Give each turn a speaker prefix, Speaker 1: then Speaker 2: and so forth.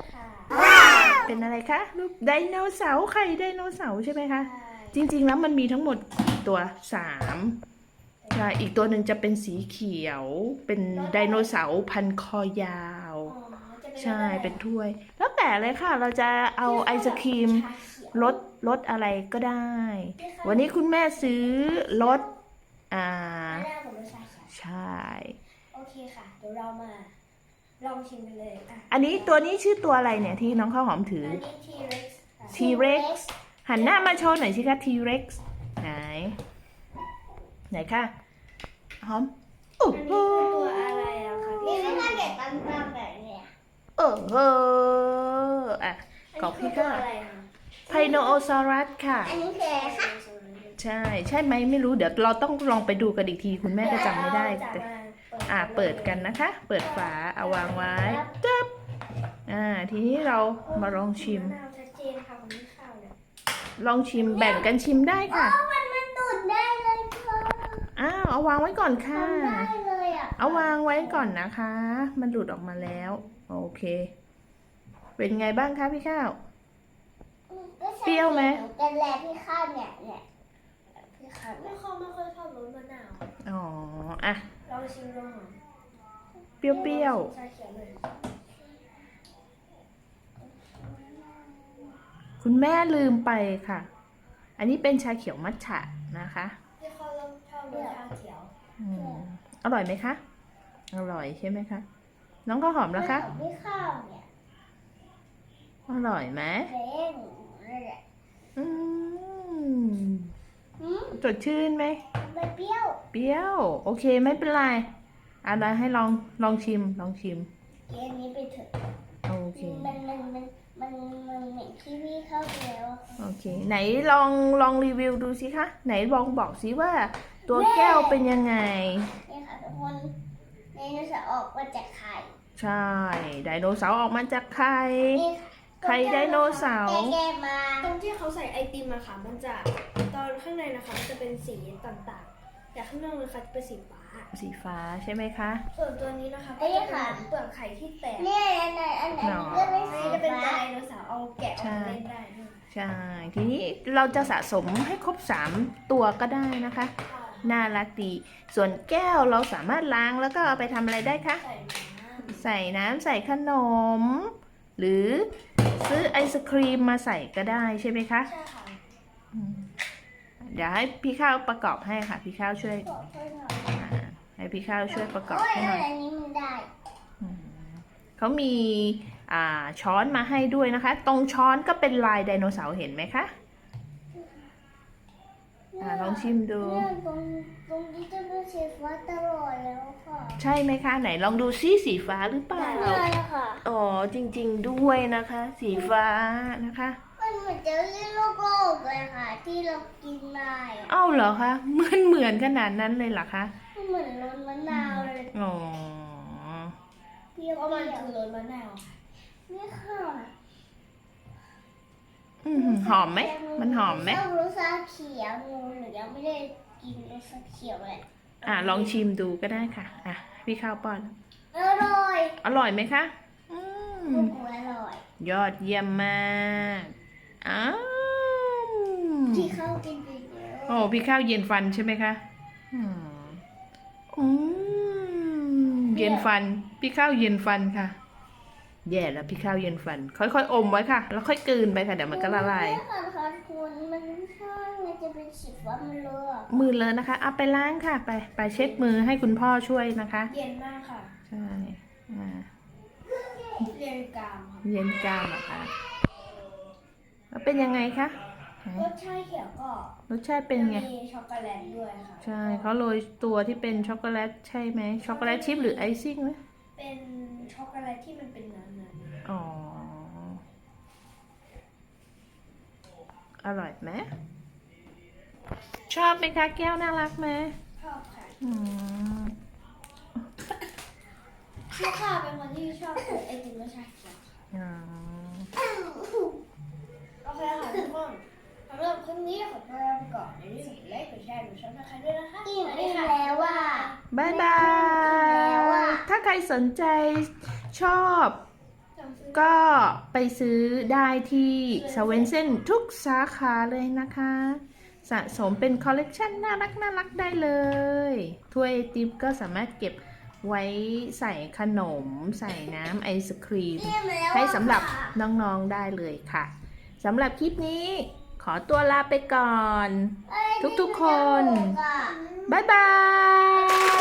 Speaker 1: ค่ะ
Speaker 2: เป็นอะไรคะรูปไดโนเสาร์ไข่ไดโนเสาร์ใช่ไหมคะจริงๆแล้วมันมีทั้งหมดตัว3ใช่อีกตัวหนึ่งจะเป็นสีเขียวเป็นไดโนเสาร์พันคอยาวใช่เป็นถ้วยแล้วแต่เลยค่ะเราจะเอาไอศครีมรสอะไรก็ได้ วันนี้คุณแม่ซื้อรสอ่าใช่
Speaker 1: โอเคค่ะเดี๋ยวเรามาลองชิมกันเลย
Speaker 2: อันนี้ตัวนี้ชื่อตัวอะไรเนี่ยที่น้องข้าวหอมถือ
Speaker 1: อันนี้ T-Rex ค่ะ
Speaker 2: T-Rex หันหน้ามาโชว์หน่อยสิคะ T-Rex ไหนคะหอมโอ้
Speaker 1: อัน
Speaker 2: โห
Speaker 1: นี้คือตัวอะไรอะคะ
Speaker 3: นี่
Speaker 1: พี่
Speaker 3: ไม่ถ้าเด็กตั้งๆแบบเนี้ย
Speaker 2: โอ้โหอ่ะกรอบพี่
Speaker 1: ก็
Speaker 2: ก็
Speaker 1: อะไรคะ
Speaker 2: ไพโนโอซอรัสค่ะ
Speaker 3: อันนี้คืออะไรคะ
Speaker 2: ใช่ไหมไม่รู้เดี๋ยวเราต้องลองไปดูกันอีกทีคุณแม่ก็จำไม่ได้แต่เปิดกันนะคะ เปิดฝาเอาวางไว้จับทีนี้เรามาลองชิม
Speaker 1: มะนาวชัดเจนค่ะของพี่ข้าวเนี่ย
Speaker 2: ลองชิมแบ่งกันชิมได้ค่ะ
Speaker 3: มันดูดได้เลยค่ะ
Speaker 2: เอาวางไว้ก่อนค่ะ
Speaker 3: ทำได้เลยอ่ะ
Speaker 2: เอาวางไว้ก่อนนะคะ มันหลุดออกมาแล้ว โอเค เป็นไงบ้างคะพี่ข้าว เปรี้ยวไหม
Speaker 3: กันแลพี่ข้าวเนี่ยพี่ข้าว
Speaker 1: ไม่ค่อยชอบรสมะนาว
Speaker 2: อ๋ออ่ะ
Speaker 1: ลองชิมดูหน่อย
Speaker 2: เปรี้ยว
Speaker 1: ชาเขียวเลย
Speaker 2: ๆ คุณแม่ลืมไปค่ะ อันนี้เป็นชาเขียวมัทฉะนะคะ
Speaker 1: พี่ข้าวชอบรสชาเขียว
Speaker 2: อร่อยไหมคะ อร่อยใช่ไหมคะ น้องข้าวหอมแล้วคะ
Speaker 3: พี่ข้าวเนี่ย
Speaker 2: อร่อยไหม
Speaker 3: เล่นนั่นแหละ
Speaker 2: อืมสดชื่นไหม
Speaker 3: มันเปรี้ยว
Speaker 2: เปรี้ยว โอเคไม่เป็นไรอะไรให้ลองชิม
Speaker 3: เย็นนี้ไปเถอะ
Speaker 2: โอเค
Speaker 3: มันเหม็นที่พี่เข้าไปแล้วอะค่ะ
Speaker 2: โอเค ไหนลองรีวิวดูสิคะ ไหนลองบอกสิว่าตัวแก้วเป็นยังไง
Speaker 3: นี่ค่ะทุกคนไดโนเสาร์ออกมาจากไข่
Speaker 2: ใช่ ไดโนเสาร์ออกมาจากไข่
Speaker 3: นี่ค่ะ
Speaker 2: ไข่ไดโนเสาร์
Speaker 3: แก้มา
Speaker 1: ตรงที่เขาใส่ไอติมอะค่ะมันจะตอนข้างในนะคะมันจะเป็นสีต่างๆแต่ข้างนอกนะคะจะเป็นสีฟ้า
Speaker 2: สีฟ้าใช่ไหมคะ
Speaker 1: ส่วนตัวนี้นะคะก็จะเป็นเปลือกไข่ที่แตก
Speaker 3: เนี่ยอันนี้ก็ไม่
Speaker 1: อัน
Speaker 3: สี
Speaker 1: นี้จะเป็น
Speaker 3: ฟ้า
Speaker 1: ไดโนเสาร์เอาแกะออกมาเล่นได้ด้วย
Speaker 2: ใช่ ทีนี้เราจะสะสมให้ครบ3ตัวก็ได้นะคะ น่ารักดี ส่วนแก้วเราสามารถล้างแล้วก็เอาไปทำอะไรได้คะ
Speaker 1: ใส่น้ำ
Speaker 2: ใส่ขนม หรือซื้อไอศครีมมาใส่ก็ได้ใช่ไหมคะ
Speaker 1: ใช่ค่ะ
Speaker 2: เดี๋ยวให้พี่ข้าวประกอบให้ค่ะ พี่ข้าวช่วย
Speaker 3: บอกให้หน่อย
Speaker 2: ให้พี่ข้าวช่วยประกอบ
Speaker 3: โอ้ย
Speaker 2: ให้หน่อย
Speaker 3: อันนี้มันได้
Speaker 2: เขามีช้อนมาให้ด้วยนะคะ ตรงช้อนก็เป็นลายไดโนเสาร์เห็นไหมคะลองชิมดู
Speaker 3: เนี่ยตรงนี้จะเป็นสีฟ้าตลอดแล้วค่ะ
Speaker 2: ใช่ไหมคะ ไหนลองดูซิสีฟ้าหรือเปล่า
Speaker 3: ใช่ค่ะ
Speaker 2: อ๋อจริงๆด้วยนะคะ สีฟ้านะคะ
Speaker 3: มันเหมือนเจลลี่โลโก้เลยค่ะ ที่เรากินได้อะ
Speaker 2: เอ้าเหรอคะเหมือนขนาดนั้นเลยเหรอคะ
Speaker 3: มันเหมือนรสมะนาวเลย
Speaker 2: อ๋อ
Speaker 3: เปรี้ยว
Speaker 1: เพราะมัน
Speaker 3: ๆ
Speaker 1: คือรสมะนาวค่ะ
Speaker 3: นี่ค่ะ
Speaker 2: หอมไหมมันหอมไหม
Speaker 3: ชอบรสชาเขียวงูหนูยังไม่ได้กินรสชาเขียวเลย
Speaker 2: ลองชิมดูก็ได้ค่ะพี่ข้าวป้อน
Speaker 3: อร่อย
Speaker 2: อร่อยไหมคะ
Speaker 3: โอ้โหอร่อย
Speaker 2: ยอดเยี่ยมมากอ้าว
Speaker 3: ที่เข้ากินไปเยอะ
Speaker 2: โอ้พี่ข้าวเย็นฟันใช่ไหมคะเย็นฟัน พี่ข้าวเย็นฟันค่ะ แย่แล้วพี่ข้าวเย็นฟัน ค่อยๆอมไว้ค่ะ แล้วค่อยกลืนไปค่ะเดี๋ยวมันก็ละลาย
Speaker 3: ไม่ค่ะค่ะคุณมันไม่ใช่มันจะเป็นสีฟ้ามันเลอะ
Speaker 2: มือเลยนะคะเอาไปล้างค่ะ ไปเช็ดมือให้คุณพ่อช่วยนะคะ
Speaker 1: เย็นมากค่ะ
Speaker 2: ใช่อ่า
Speaker 1: เรียนกรามค่ะ
Speaker 2: เย็นกล้ามเหรอคะแล้วเป็นยังไงคะ
Speaker 1: รสชาติเขียวก็
Speaker 2: รสชาติเป็นไง
Speaker 1: มีช็อกโกแลตด้วยค่ะ
Speaker 2: ใช่เขาโรยตัวที่เป็นช็อกโกแลตใช่ไหมช็อกโกแลตชิพหรือไอซิ่งไหม
Speaker 1: เป็นช็อกโกแลตที่มันเป็นเนื้อ
Speaker 2: อ๋อ อร่อยไหมชอบไหมคะแก้วน่ารักไหม
Speaker 1: ชอบค่ะ
Speaker 2: อืม
Speaker 1: พี่ข้าวเป็นคนที่ชอบกินไอติมรสชาติเขียวค่ะ
Speaker 2: อ๋อ
Speaker 1: โอเคค่ะทุกคนสำหรับคลิปนี้ขอตัวลาไปก่อนอย่าลืมกดไลค์กดแชร์กดซับสไครต์ด้วยนะคะ
Speaker 3: อิ่มแล้วว่า
Speaker 2: บายบาย ถ้าใครสนใจชอบ
Speaker 1: สั่งซื้อ
Speaker 2: ก็ไปซื้อได้ที่สเวนเซนทุกสาขาเลยนะคะ สะสมเป็นคอลเลกชันน่ารักได้เลยถ้วยไอติมก็สามารถเก็บไว้ใส่ขนมใส่น้ำไอศครีม ให้สำหรับน้องๆได้เลยค่ะสำหรับคลิปนี้ขอตัวลาไปก่อน ทุกๆคน บ๊ายบาย